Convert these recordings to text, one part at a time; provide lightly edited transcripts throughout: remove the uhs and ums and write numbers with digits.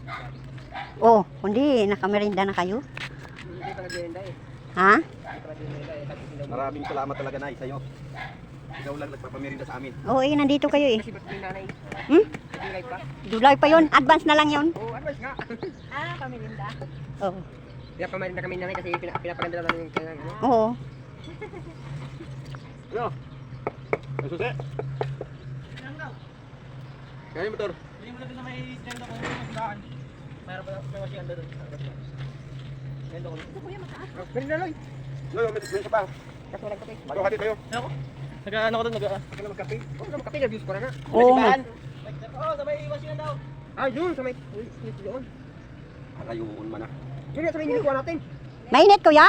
Oh, kundi nakamerinda na kayo? Hindi pa nag-merienda eh. Ha? Hindi pa nag-merienda eh. Maraming salamat talaga Nay sa'yo. Ikaw lang nagpapamerinda sa amin. Oo, nandito kayo eh. Kasi ba't may nanay? Hmm? Nag-live pa? July pa yun. Advance na lang yun. Oo, advice nga. Pamirinda. Oo. Pinapamerinda kami nanay kasi pinapaganda naman yung kailangan. Ano? Oo. Ano? Ang susi? Kaya yung motor. Hindi mo natin na may ganda kung may maglaan. Mayroon pa may washing under doon. Ganda ko. Ito kuya mataas. Merinda Loy. Loy, may isa pa. Kasi walang kape. Bago hati tayo. Ako? Nag-ano ko doon? Nag-ano magkape? Oo, magkape. Nag-use ko na nga. Oo. Oo, sa may washing daw. Ah, yun. Sa may doon. Arayuon man ah. Yun sa may nilikuha natin. Mainit kuya?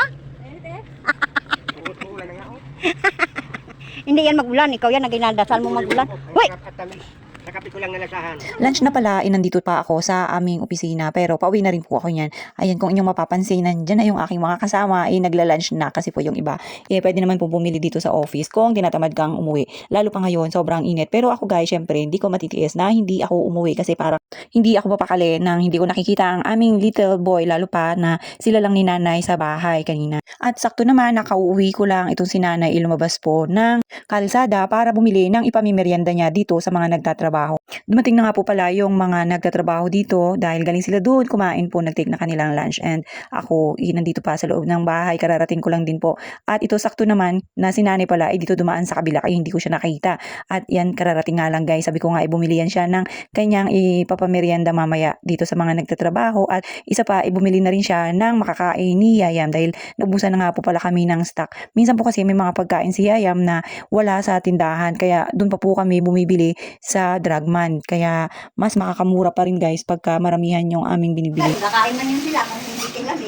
Uulan na nga ako. Hindi yan magulan. Ikaw yan naginadasal mo magulan. Uy! At nakape ko lang na lasahan. Lunch na pala, nandito pa ako sa aming opisina pero pauwi na rin po ako niyan. Ayan, kung inyong mapapansin, nandyan na yung aking mga kasama, nagla-lunch na kasi po yung iba. Pwede naman po bumili dito sa office kung tinatamad kang umuwi. Lalo pa ngayon, sobrang init. Pero ako guys, syempre, hindi ko matitiis na hindi ako umuwi kasi parang hindi ako mapakali nang hindi ko nakikita ang aming little boy, lalo pa na sila lang ni nanay sa bahay kanina. At sakto naman, nakauwi ko lang itong si nanay, lumabas po ng kalsada para bumili ng ipamimerienda niya dito sa mga nagtatrabaho. Dumating na nga po pala yung mga nagtatrabaho dito dahil galing sila doon, kumain po, nag-take na kanilang lunch and ako nandito pa sa loob ng bahay, kararating ko lang din po. At ito sakto naman na si nanay pala dito dumaan sa kabila kaya hindi ko siya nakita. At yan, kararating nga lang guys, sabi ko nga bumili yan siya ng kanyang ipapamerienda mamaya dito sa mga nagtatrabaho at isa pa bumili na rin siya ng makakain ni Yayam dahil nabusan na nga po pala kami ng stock. Minsan po kasi may mga pagkain si Yayam na wala sa tindahan kaya doon pa po kami bumibili sa Dragman. Kaya mas makakamura pa rin guys pagka maramihan yung aming binibili. Kakain man yun sila kung hindi tilamig.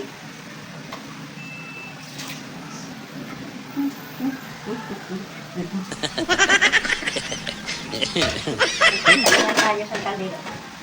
Tayo sa kaliro.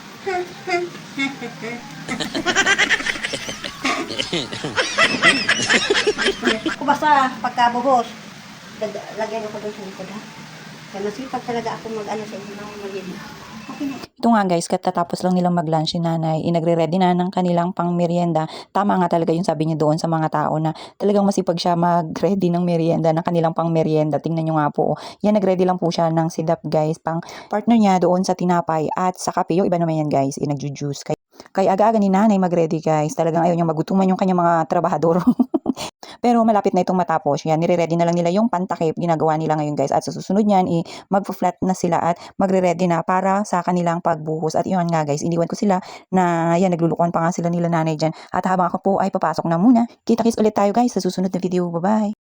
Kung basta pagkabuhos, lagyan ako doon sa likod ha. Kaya masipag talaga ako mag-ano sa inyo ng merienda. Okay na. Ito nga guys, katatapos lang nilang mag-lunch si nanay, nagre-ready na ng kanilang pang merienda. Tama nga talaga yung sabi niya doon sa mga tao na talagang masipag siya mag-ready ng merienda, ng kanilang pang merienda. Tingnan nyo nga po. Yan, nag-ready lang po siya ng sidap guys, pang partner niya doon sa tinapay at sa kape. Yung iba naman yan guys, nag-juice. Kaya aga-aga ni nanay mag-ready guys. Talagang ayaw niyang magutuman yung kanyang mga trabahador. Pero malapit na itong matapos. Yan, nire-ready na lang nila yung pantakip. Ginagawa nila ngayon guys. At sa susunod niyan, mag-flat na sila at magre-ready na para sa kanilang pagbuhos. At yun nga guys, iniwan ko sila na yan, naglulukuan pa nga sila nila nanay dyan. At habang ako po ay papasok na muna. Kita-kits ulit tayo guys sa susunod na video. Bye-bye!